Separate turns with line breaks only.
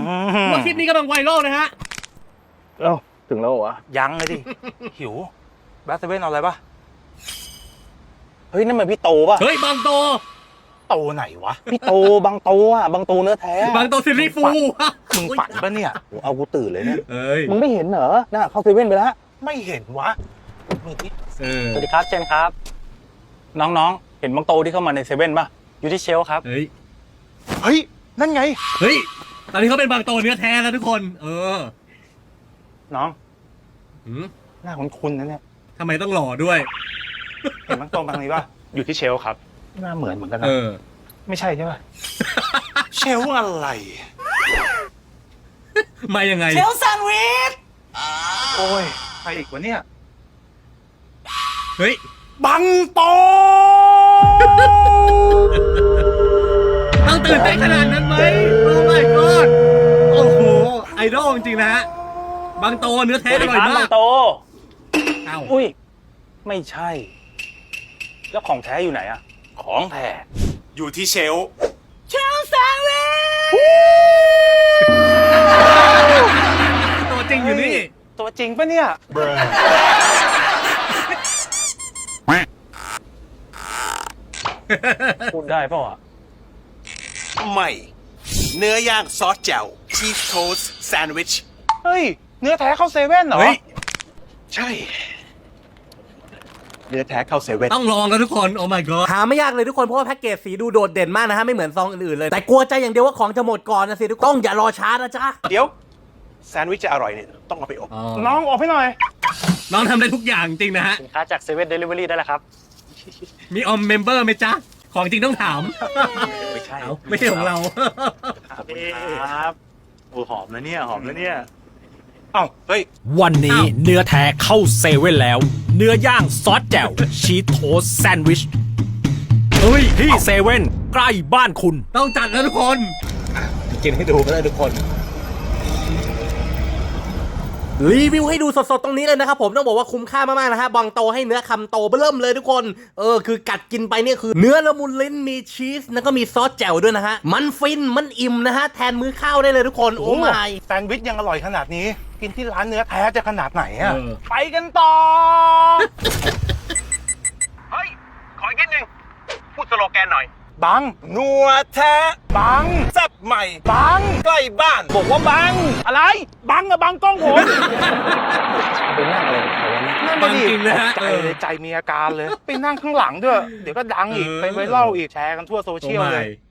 ว่าคลิปนี้กำลังไวรัลนะฮะ
เอ้าถึงแล้วเหรอวะ
ยังเลยดิ หิวแบทเซเว่นเอาอะไรปะ
เฮ้ยนั่นมันพี่โตป่ะ
เฮ้ยบางโต
โตไหนวะ
พี่โตบางโตอ่ะบางโตเนื้อแท้
บางโตซีรีส์ฟู
มึงฝันปะเนี่ย
โอ้เอากูตื่นเลยเนี่ย
เอ้ย
มึงไม่เห็นเหรอน่ะเข้าเซเว่นไปแล้ว
ไม่เห็นวะมึงที่
สวัสดีครับเจนครับ น้องๆเห็นบางโตที่เข้ามาในเซเว่นป่ะอยู่ที่เชลฟ์ครับ
เฮ้ย
เฮ้ย นั่นไง
เฮ้ย ตอนนี้เขาเป็นบางโตเนื้อแท้แล้วทุกคน
น้อง
หืม
หน้าคุ้นๆนะเนี่ย
ทำไมต้องหล่อด้วย
เห็นบางโตบางนี้ป่ะ
อยู่ที่เชลฟ์ครับ
หน้าเหมือนกันนะไม่ใช่ใช่ป่ะ
เชลฟ์อะไร
มายังไง
เชลฟ์แซนด์วิชโอ้ยใครอีกวะเนี่ย
เฮ้ย
บังโต
ต้องตื่นเต้นขนาดนั้นไหมโอ้ my god โอ้โห ไอดอลจริงๆนะฮะ บางโตเนื้อแท้อร่อยมา
บาก งโต
เอ้า
อุ้ยไม่ใช่ แล้วของแท้อยู่ไหนอะของแท้
อยู่ที่เชลฟ์
ตัวจริงอยู่นี่
ตัวจริงปะเนี่ย พูดได้เปล่าอ่ะ
ใหม่ เนื้อย่างซอสแจ่วชีสโทสต์แซนด์วิช
เฮ้ย เนื้อแท้เข้าเซเว่นเหรอ
เฮ้ย
ใช่ เนื้อแท้เข้าเซเว่น
ต้องลองกันทุกคน โอ้ my god
หาไม่ยากเลยทุกคนเพราะว่าแพ็กเกจสีดูโดดเด่นมากนะฮะไม่เหมือนซองอื่นๆเลยแต่กลัวใจอย่างเดียวว่าของจะหมดก่อนนะสิทุกคนต้องอย่ารอช้านะจ๊ะ
เดี๋ยว แซนด์วิชจะอร่อยเนี่ย ต้องเอาไปอบ
น้องออกให้หน่อย
น้องทำได้ทุกอย่างจริงนะฮะ
สินค้าจากเซเว่นเดลิเวอรี่ได้แล้วครับ
มีออมเมมเบอร์ไหมจ๊ะ ของจริงต้องถาม
ไม่ใช่
เอ้าไม่ใช่ของเรา
ขอบคุณครับโอ้หอมนะเนี่ย หอมนะเนี่ย
เอ้า เฮ้ย
วันนี้เนื้อแท้เข้าเซเว่นแล้ว เนื้อย่างซอสแจ่วชีสโทสต์แซนด์วิชที่เซเว่นใกล้บ้านคุณ
ต้องจัดแล้วทุกคน
กินให้ดูก็ได้ทุกคน
รีวิวให้ดูสดๆตรงนี้เลยนะครับผมต้องบอกว่าคุ้มค่ามากๆนะฮะบางโตให้เนื้อคำโตเบิ่มเลยทุกคนคือกัดกินไปเนี่ยคือเนื้อละมุนลิ้นมีชีสแล้วก็มีซอสแจ่วด้วยนะฮะมันฟินมันอิ่มนะฮะแทนมื้อข้าวได้เลยทุกคนโอ้ my
แซนด์วิชยังอร่อยขนาดนี้ กินที่ร้านเนื้อแท้จะขนาดไหนอะ
เออ
ไปกันต่อ
เฮ้ย ขออีกนิดนึง พูดสโลแกนหน่อย
บัง
นัวแท้
บัง
แซ่บใหม่
บัง
ใกล้บ้าน
บอกว่าบัง อะไร บังอะบังกล้องผม
ไปนั่งอะไรของเขาวะเนี่ย
นั่น
บัง
ดิ
จริงเลยฮะ
ใจเลยใจมีอาการเลย ไปนั่งข้างหลังด้วย เดี๋ยวก็ดังอีก ไปไวรัลอีกแชร์กันทั่วโซ
โอ้
เชียลเลย
my